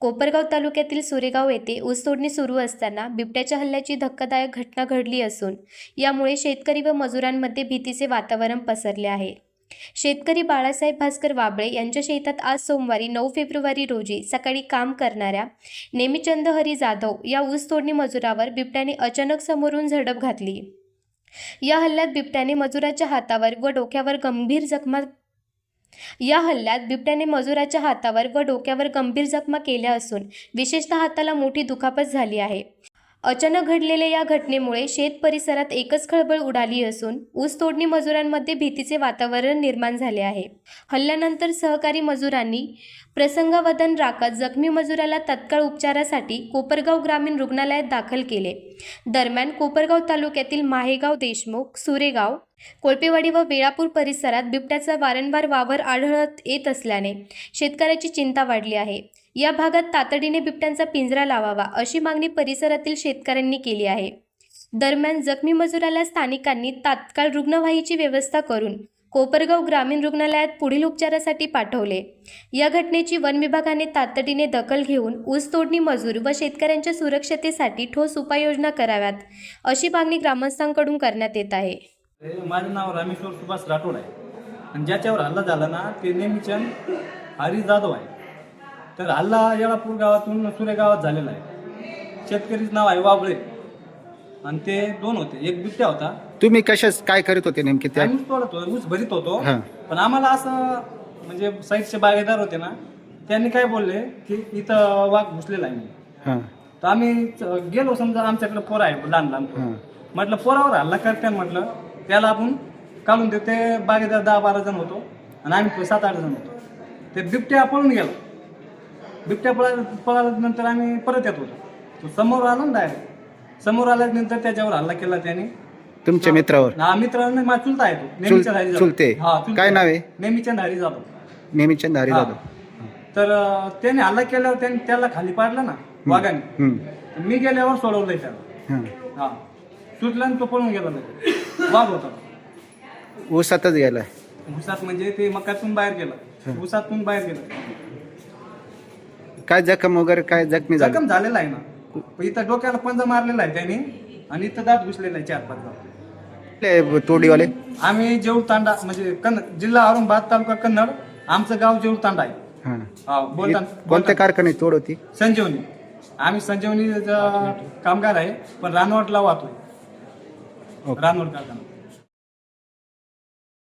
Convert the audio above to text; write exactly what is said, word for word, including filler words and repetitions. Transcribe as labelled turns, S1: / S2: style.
S1: कोपरगाव तालुक्यातील सुरेगाव येथे ऊस तोडणी सुरू असताना बिबट्याच्या हल्ल्याची धक्कादायक घटना घडली असून यामुळे शेतकरी व मजुरांमध्ये भीतीचे वातावरण पसरले आहे। शेतकरी बाळासाहेब भास्कर वाबळे यांच्या शेतात आज सोमवारी नऊ फेब्रुवारी रोजी सकाळी काम करणाऱ्या नेमिचंद हरी जाधव या ऊस तोडणी मजुरावर बिबट्याने अचानक समोरून झडप घातली। या हल्ल्यात बिबट्याने मजुराच्या हातावर व डोक्यावर गंभीर जखमा या हल्ल्यात बिबट्याने मजुराच्या हातावर व डोक्यावर गंभीर जखमा केल्या असून विशेषतः हाताला मोठी दुखापत झाली आहे। अचानक घडलेल्या या घटनेमुळे शेत परिसरात एकच खळबळ उडाली असून ऊस तोडणी मजुरांमध्ये भीतीचे वातावरण निर्माण झाले आहे। हल्ल्यानंतर सहकारी मजुरांनी प्रसंगावधान राखत जखमी मजुराला तत्काळ उपचारासाठी कोपरगाव ग्रामीण रुग्णालयात दाखल केले। दरम्यान कोपरगाव तालुक्यातील माहेगाव, देशमुख, सुरेगाव, कोळपेवाडी व वेळापूर परिसरात बिबट्याचा वारंवार वावर आढळत येत असल्याने शेतकऱ्याची चिंता वाढली आहे। या भागात तातडीने बिबट्यांचा पिंजरा लावावा अशी मागणी परिसरातील शेतकऱ्यांनी केली आहे। दरम्यान जखमी मजुराला स्थानिकांनी तात्काळ रुग्णवाहिकेची व्यवस्था करून कोपरगाव ग्रामीण रुग्णालयात पुढील उपचारासाठी पाठवले। या घटनेची वन विभागाने तातडीने दखल घेऊन ऊस तोडणी मजूर व शेतकऱ्यांच्या सुरक्षतेसाठी ठोस उपाययोजना कराव्यात अशी मागणी ग्रामस्थांकडून करण्यात येत आहे।
S2: माझं नाव रामेश्वर सुभाष राठोड आहे आणि ज्याच्यावर हल्ला झाला ना ते नेमिचंद हरी जाधव आहे। तर हल्ला येळापूर गावातून सुरेगावात झालेला आहे। शेतकरीचं नाव आहे वाबळे आणि ते दोन होते, एक बिबट्या होता।
S3: तुम्ही कशाच काय करत होते नेमके? त्या
S2: ऊस तोडत होतो, ऊस भरीत होतो, पण आम्हाला असं म्हणजे साईडचे बागेदार होते ना, त्यांनी काय बोलले की इथं वाघ घुसलेला आहे। तर आम्ही गेलो, समजा आमच्याकडे पोर आहे लहान लहान, म्हटलं पोरावर हल्ला करते, म्हटलं त्याला आपण काढून देऊ। ते बागेदार दहा बारा जण होतो आणि आम्ही सात आठ जण होतो। ते बिबट्या पळून गेलो, बिबट्या पळा पळाल्यानंतर आम्ही परत येत होतो, तो समोर आला ना डायरेक्ट, समोर आल्यानंतर त्याच्यावर हल्ला केला त्याने
S3: तुमच्या मित्रावर?
S2: हा, मित्रांनी माझा चुलता आहे तो, नेमिचंद हरी जाधव।
S3: चुलते?
S2: हा,
S3: काय नाव आहे?
S2: नेमिचंद हरी जाधव।
S3: नेमिचंद हरी जाधव।
S2: तर त्याने हल्ला केल्यावर त्याने त्याला खाली पाडलं ना वाघाने, मी गेल्यावर सोडवलंय त्याला। हा, सुटल्यानं तो पळून गेला, वाघ होता।
S3: ऊसातच गेलाय?
S2: ऊसात म्हणजे ते मकातून बाहेर गेला, ऊसातून बाहेर गेला।
S3: काय जखम वगैरे काय जखमी झाला?
S2: जखम झालेला आहे ना, इथं डोक्याला पंजा मारलेला आहे त्याने आणि इथं दात घुसलेला आहे चार पाच दात।
S3: तोडीवाले
S2: आम्ही जेऊळ तांडा म्हणजे कन्नड जिल्हा औरंगाबाद, तालुका कन्नड, आमचं गाव जेऊळ तांडा आहे। हा, बोलता
S3: कोणत्या कारखान्यात तोड होती?
S2: संजीवनी। आम्ही संजीवनी कामगार आहे, पण रानवटला वाहतोय, रानवट कारखाना।